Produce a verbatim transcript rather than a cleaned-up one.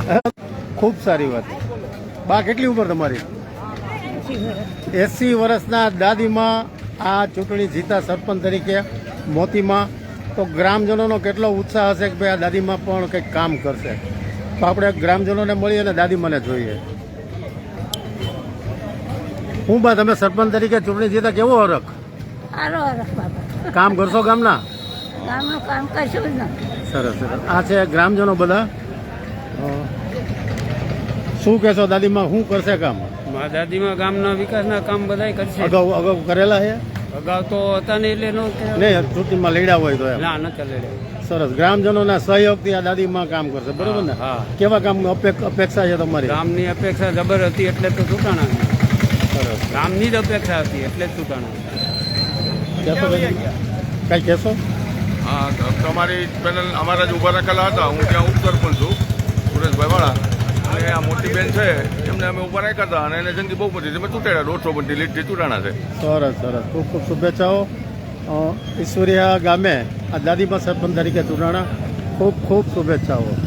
ખૂબ સારી વાત. બા કેટલી ઉંમર તમારી? એસી વર્ષના દાદીમાં આ ચૂંટણી જીતા સરપંચ તરીકે મોતીમાં, તો ગ્રામજનોનો કેટલો ઉત્સાહ હશે કે ભાઈ આ દાદીમાં પણ કંઈક કામ કરશે. તો આપણે ગ્રામજનોને મળીએ અને દાદીમાને જોઈએ. હું બા તમે સરપંચ તરીકે ચૂંટણી જીતા કેવો હરખ? સારો હરખ બાબા. કામ કરશો ગામના? ગામનું કામ કશું જ નથી. સરસ સરસ. આ છે ગ્રામજનો બધા. શું કહેશો દાદીમાં, શું કરશે કામ? મારા દાદીમાં ગામના વિકાસના કામ બધા કરશે. અગાઉ અગાઉ કરેલા છે? અગાઉ તો હતા ને એટલે નો નહીં, ચૂંટણીમાં લડ્યા હોય તો એમ. ના ન ચાલે. સરસ. ગ્રામજનોના સહયોગથી આ દાદીમાં કામ કરશે, બરોબર ને? હા. કેવા કામ અપેક્ષા છે તમારી? ગામની અપેક્ષા જબર હતી એટલે તો ચૂંટાણા. સરસ. ગામની જ અપેક્ષા હતી એટલે જ ચૂંટાણા. કહેશો કઈ કહેશો? હા, તમારી પેનલ અમારા જ ઊભા રાખેલા હતા. હું ત્યાં ઉપસરપંચ છું, સુરેશભાઈ વાળા. અને આ મોટી બેન છે એમને અમે ઊભા રાખ્યા હતા અને એને જંગી બહુ બધી અમે ચૂંટાડ્યા. દોઢસો બધી લીટથી ચૂંટાણા છે. સરસ સરસ. ખૂબ ખૂબ શુભેચ્છાઓ. ઈશ્વરિયા ગામે આ દાદીમાં સરપંચ તરીકે ચૂંટાણા. ખૂબ ખૂબ શુભેચ્છાઓ.